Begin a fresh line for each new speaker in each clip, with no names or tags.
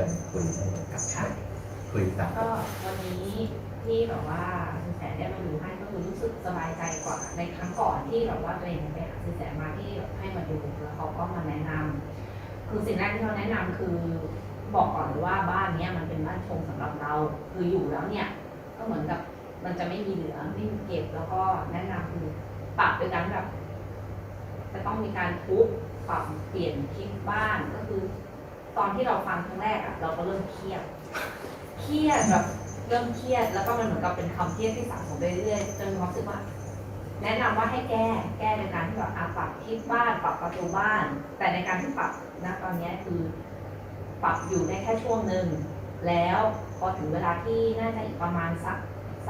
ญคุยได้เลยครับคุยกัน
ก็วันนี้ที่แบบว่าสินแสได้มาดูให้ก็คือรู้สึกสบายใจกว่าในครั้งก่อนที่แบบว่าตัวเองไปหาสินแสมาที่แบบให้มาดูแล้วเขาก็มาแนะนำคือสิ่งแรกที่เขาแนะนำคือบอกก่อนเลยว่าบ้านเนี้ยมันเป็นบ้านชงสำหรับเราคืออยู่แล้วเนี่ยก็เหมือนกับมันจะไม่มีเหลือไม่มีเก็บแล้วก็แนะนำคือปรับโดยการแบบจะต้องมีการทุบปรับเปลี่ยนทิศบ้านก็คือตอนที่เราฟังครั้งแรกอะเราก็เริ่มเครียดแบบเริ่มเครียดแล้วก็มันเหมือนกับเป็นความเครียดที่สะสมไปเรื่อยๆจนมีความรู้สึกว่าแนะนำว่าให้แก้ในการที่แบบปรับทิศบ้านปรับประตูบ้าน แต่ในการที่ปรับนะตอนนี้คือปรับอยู่ได้แค่ช่วงหนึ่งแล้วพอถึงเวลาที่น่าจะอีกประมาณสัก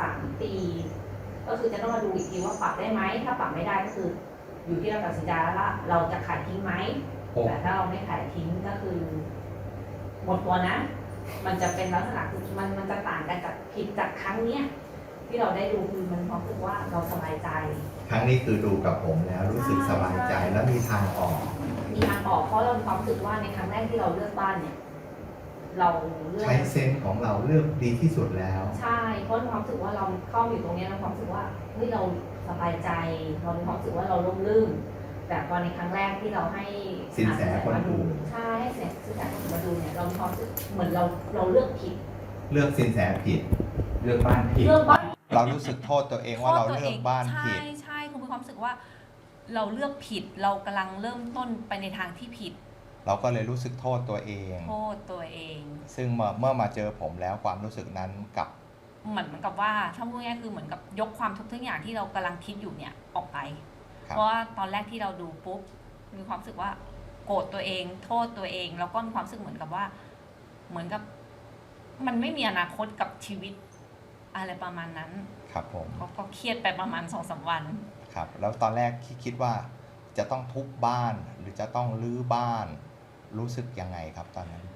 3 ปีก็คือจะต้องมาดูอีกทีว่าปรับได้ไหมถ้าปรับไม่ได้ก็คืออยู่ที่เราตัดสินใจแล้วละเราจะขายทิ้งไหมแต่ถ้าเราไม่ขายทิ้งก็คือหมดตัวนะมันจะเป็นลักษณะคือมันจะต่างกันจากผิดจากครั้งเนี้ยที่เราได้ดูคือมันความรู้สึกว่าเราสบายใจ
ครั้งนี้คือดูกับผมแล้วรู้สึกสบายใจแล้วมีทางออก
เพราะเรามีความรู้สึกว่าในครั้งแรกที่เราเลือกบ้านเนี่ยเราเลือก
ใช้เซนส์ของเราเลือกดีที่สุดแล้ว
ใช่เพราะมีความรู้สึกว่าเราเข้าอยู่ตรงนี้เราความรู้สึกว่าเฮ้ยเราสบายใจเรามีความรู้สึกว่าเราร่มรื่นแต่พอในครั้งแรกที่เราให้
สินแสคนมาดู
ใช่ให้สินแสคนมาดูเนี่ยเรามีความรู้สึกเหมือนเราเลือกผิด
เลือกสินแสผิด
เลือกบ้านผิด
เรารู้สึกโทษตัวเองว่าเราเลือกบ้านผิด
ใช่คุณมีความรู้สึกว่าเราเลือกผิดเรากำลังเริ่มต้นไปในทางที่ผิด
เราก็เลยรู้สึกโทษตัวเองซึ่งเมื่อมาเจอผมแล้วความรู้สึกนั้นกับ
เหมือนกับว่าถ้าพูดง่ายคือเหมือนกับยกความทุกข์ทุกอย่างที่เรากำลังคิดอยู่เนี่ยออกไปเพราะว่าตอนแรกที่เราดูปุ๊บมีความรู้สึกว่าโกรธตัวเองโทษตัวเองแล้วก็มีความรู้สึกเหมือนกับว่าเหมือนกับมันไม่มีอนาคตกับชีวิตอะไรประมาณนั้น
ครับผม
ก็เครียดไปประมาณ2-3 วัน
ครับแล้วตอนแรกคิดว่าจะต้องทุบบ้านหรือจะต้องรื้อบ้านรู้สึกยังไงครับตอนนั้น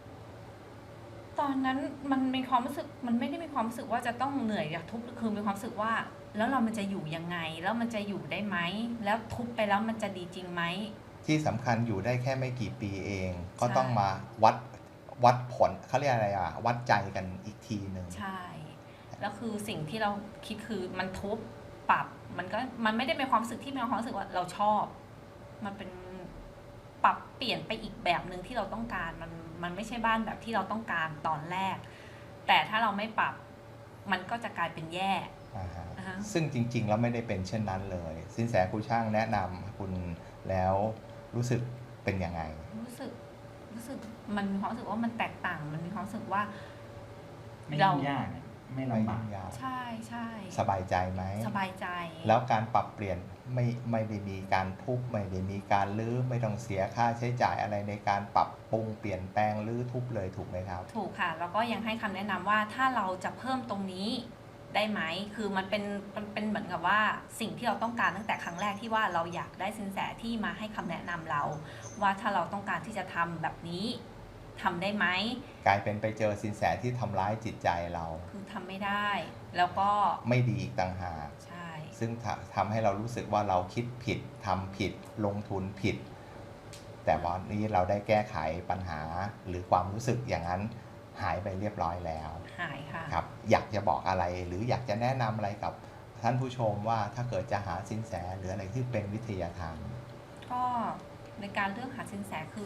มันมีความรู้สึกมันไม่ได้มีความรู้สึกว่าจะต้องเหนื่อยอยากทุบคือมีความรู้สึกว่าแล้วมันจะอยู่ยังไงแล้วมันจะอยู่ได้ไหมแล้วทุบไปแล้วมันจะดีจริงไหม
ที่สำคัญอยู่ได้แค่ไม่กี่ปีเองก็ต้องมาวัดผลเขาเรียกอะไรวัดใจกันอีกทีหนึ่ง
ใช่แล้วคือสิ่งที่เราคิดคือมันทุบปรับมันไม่ได้เป็นความรู้สึกที่มีความรู้สึกว่าเราชอบมันเป็นปรับเปลี่ยนไปอีกแบบหนึ่งที่เราต้องการมันไม่ใช่บ้านแบบที่เราต้องการตอนแรกแต่ถ้าเราไม่ปรับมันก็จะกลายเป็นแย่
ซึ่งจริงๆแล้วไม่ได้เป็นเช่นนั้นเลยสินแสครูช่างแนะนำคุณแล้วรู้สึกเป็นยังไง
รู้สึกมันมีความรู้สึกว่ามันแตกต่างมันมีความรู้สึกว่า
ไม่ยากไม่ลำบาก
ใช่
สบายใจไหม
สบายใจ
แล้วการปรับเปลี่ยนไม่ได้มีการทุบไม่ได้มีการรื้อไม่ต้องเสียค่าใช้จ่ายอะไรในการปรับปรุงเปลี่ยนแปลงรื้อทุบเลยถูกไหมครับ
ถูกค่ะแล้วก็ยังให้คำแนะนำว่าถ้าเราจะเพิ่มตรงนี้ได้ไหมคือมันเป็นเหมือนกับว่าสิ่งที่เราต้องการตั้งแต่ครั้งแรกที่ว่าเราอยากได้สินแสที่มาให้คำแนะนำเราว่าถ้าเราต้องการที่จะทำแบบนี้ทำได้ไหม
กลายเป็นไปเจอสินแสที่ทำร้ายจิตใจเรา
คือทำไม่ได้แล้วก็
ไม่ดีอีกต่างหาก
ใช่
ซึ่งทำให้เรารู้สึกว่าเราคิดผิดทำผิดลงทุนผิดแต่วันนี้เราได้แก้ไขปัญหาหรือความรู้สึกอย่างนั้นหายไปเรียบร้อยแล้ว
หายค่ะ
ครับอยากจะบอกอะไรหรืออยากจะแนะนำอะไรกับท่านผู้ชมว่าถ้าเกิดจะหาสินแสหรืออะไรที่เป็นวิทยาทาน
ก็ในการเลือกหาสินแสคือ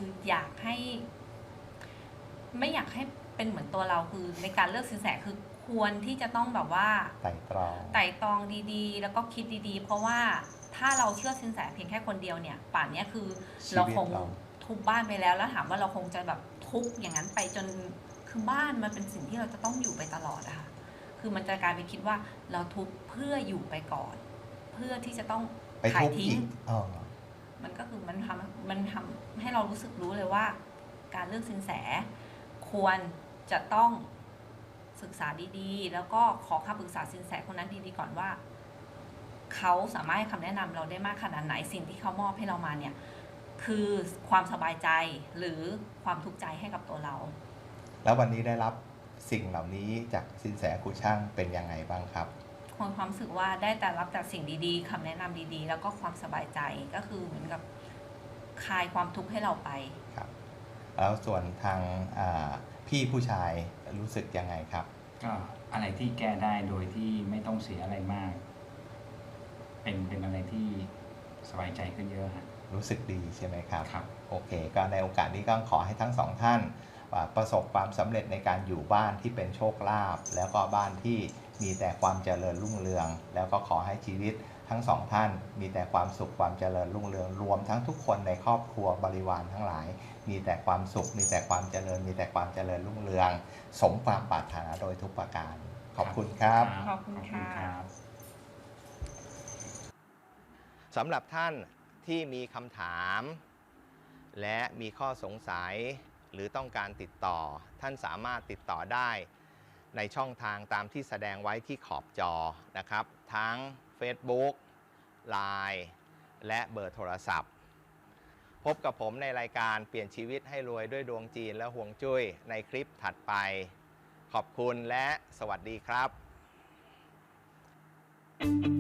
ไม่อยากให้เป็นเหมือนตัวเราคือในการเลือกสินแสคือควรที่จะต้องแบบว่า
ไต่
ตรองดีๆแล้วก็คิดดีๆเพราะว่าถ้าเราเชื่อสินแสเพียงแค่คนเดียวเนี่ยป่านนี้คือเราคงทุบบ้านไปแล้วถามว่าเราคงจะแบบทุบอย่างนั้นไปจนคือบ้านมันเป็นสิ่งที่เราจะต้องอยู่ไปตลอดอะค่ะคือมันจะกลายเป็นคิดว่าเราทุบเพื่ออยู่ไปก่อนเพื่อที่จะต้องขายทิ้งมันก็คือมันทำให้เรารู้เลยว่าการเลือกสินแสควรจะต้องศึกษาดีๆแล้วก็ขอคำปรึกษาสินแสคนนั้นดีๆก่อนว่าเขาสามารถให้คำแนะนำเราได้มากขนาดไหนสิ่งที่เขามอบให้เรามาเนี่ยคือความสบายใจหรือความทุกข์ใจให้กับตัวเรา
แล้ววันนี้ได้รับสิ่งเหล่านี้จากสินแสครูช่างเป็นยังไงบ้างครับ
ความรู้สึกว่าได้แต่รับจากสิ่งดีๆคำแนะนำดีๆแล้วก็ความสบายใจก็คือเหมือนกับคลายความทุกข์ให้เราไป
ครับแล้วส่วนทางพี่ผู้ชายรู้สึกยังไงครับ
ก็อะไรที่แก้ได้โดยที่ไม่ต้องเสียอะไรมาก เป็นอะไรที่สบายใจขึ้นเยอะฮะ
รู้สึกดีใช่ไหมครับ
ครับ
โอเค ก็ในโอกาสนี้ก็ขอให้ทั้งสองท่านประสบความสำเร็จในการอยู่บ้านที่เป็นโชคลาภแล้วก็บ้านที่มีแต่ความเจริญรุ่งเรือง แล้วก็ขอให้ชีวิตทั้งสองท่านมีแต่ความสุขความเจริญรุ่งเรืองรวมทั้งทุกคนในครอบครัวบริวารทั้งหลาย มีแต่ความสุขมีแต่ความเจริญมีแต่ความเจริญรุ่งเรือง สมความปรารถนาโดยทุกประการขอบคุณครับ
ขอบคุณค่ะ
รับ
สำหรับท่านที่มีคำถาม และมีข้อสงสัยหรือต้องการติดต่อท่านสามารถติดต่อได้ในช่องทางตามที่แสดงไว้ที่ขอบจอนะครับทั้ง Facebook Line และเบอร์โทรศัพท์ พบกับผมในรายการเปลี่ยนชีวิตให้รวยด้วยดวงจีนและห่วงจุ้ยในคลิปถัดไป ขอบคุณและสวัสดีครับ